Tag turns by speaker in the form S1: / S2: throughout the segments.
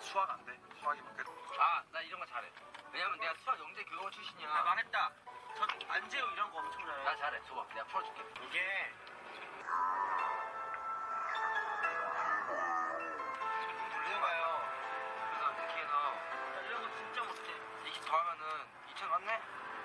S1: 수학 안 돼. 수학이 맞겠.
S2: 아, 나 이런 거 잘해. 왜냐면 내가 수학 영재 교원 출신이야.
S3: 나 망했다. 저 안재우 이런 거 엄청 잘해.
S2: 나 잘해. 줘봐. 내가 풀어줄게.
S3: 이게 돌리는 거예요.
S2: 그래서 이렇게 해서
S3: 나 이런 거 진짜 못해.
S2: 이렇게 더하면은 2천 맞네?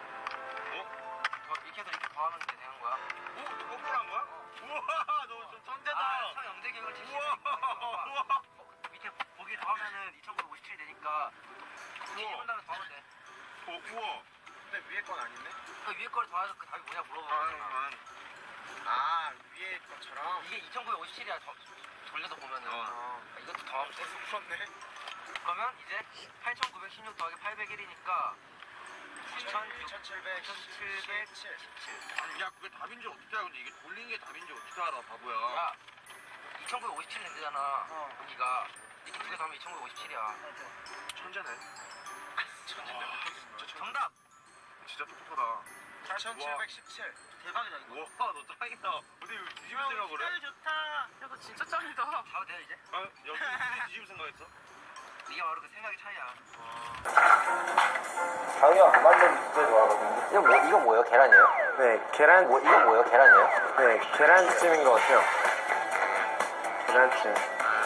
S2: 이렇게 해서 이렇게 더하면 이제 되는 거야.
S1: 오, 너 거꾸로 한 거야? 우와, 너 좀 천재다.
S2: 아, 수학 영재 교원 출신이니까. 밑에 보기 더하면은 2,957 되니까 뒤집은 다음에 더하면 돼.
S1: 우와. 근데 위에 건 아닌데?
S2: 그 위에 거를 더해서 그 답이 뭐냐 물어보잖아.
S1: 아, 위에 것처럼.
S2: 이게 2,957이야. 돌려서 보면은. 이것도 더하면 돼.
S1: 풀었네.
S2: 그러면 이제 8,916 더하기 801이니까
S1: 2,717. 아니, 야, 그게 답인지 어떻게 알아? 근데 이게 돌린 게 답인지 어떻게 알아, 바보야.
S2: 야, 2,957이 된대잖아. 여기가 이렇게 두 개 더하면 2,957이야.
S1: 천재네. 천재네. 진짜
S2: 정답!
S1: 진짜 똑똑하다.
S3: 8,717. 대박이다 이거.
S1: 우와, 너 짱이다. 근데 이거 뒤집을 생각 그래?
S3: 아, 좋다. 야, 너 진짜 짱이다.
S2: 봐도 돼요 이제?
S1: 아, 여기 뒤집을 생각했어?
S2: 이게 바로 그 생각의 차이야.
S4: 자기가 만두를 진짜 좋아하거든요.
S5: 이거 뭐예요? 계란이에요?
S4: 네, 계란,
S5: 이거 뭐예요? 계란이에요?
S4: 네, 계란찜인 것 같아요. 계란찜.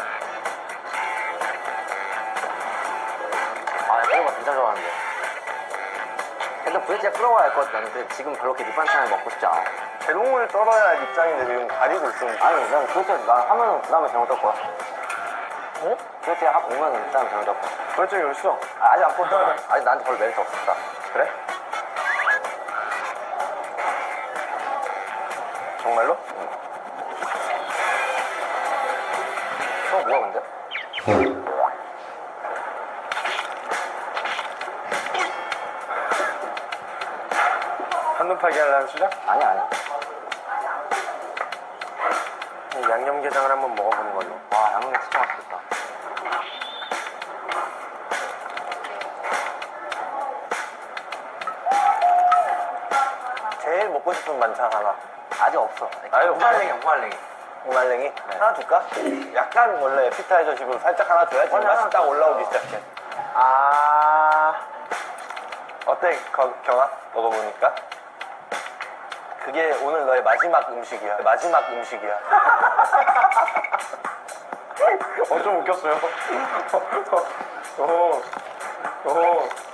S5: 아, 이런 거 진짜 좋아하는데. 일단 부대찌개 끓어야 할 것 같아. 나는 근데 지금 별로 이렇게 밑반찬을 먹고 싶지 않아.
S4: 대롱을 떨어야 할 입장인데 지금 가리고 있으면.
S5: 아니, 난 부대찌개 나 하면은 그 다음에 잘못 떴 거야.
S4: 어?
S5: 부대찌개 하고 오면은 그 다음에 잘못 떴 거야.
S4: 벌써 열었어.
S5: 아직 안 꽂잖아. 아직 나한테 별로 메리트 없었다.
S4: 그래? 정말로?
S5: 저 뭐야, 근데?
S4: 한눈 팔기 하려는 수작?
S5: 아니야.
S4: 양념게장을 한번 먹어보는 걸로.
S5: 와, 양념 진짜 맛있겠다.
S4: 제일 먹고 싶은 반찬 하나.
S5: 아직 없어.
S4: 아유,
S5: 무말랭이야, 무말랭이.
S4: 무말랭이? 하나 줄까? 약간 원래 에피타이저식으로 살짝 하나 줘야지 맛이 딱 올라오기 시작해. 어때, 경아? 먹어보니까? 그게 오늘 너의 마지막 음식이야. 마지막 음식이야. 좀 웃겼어요. 오.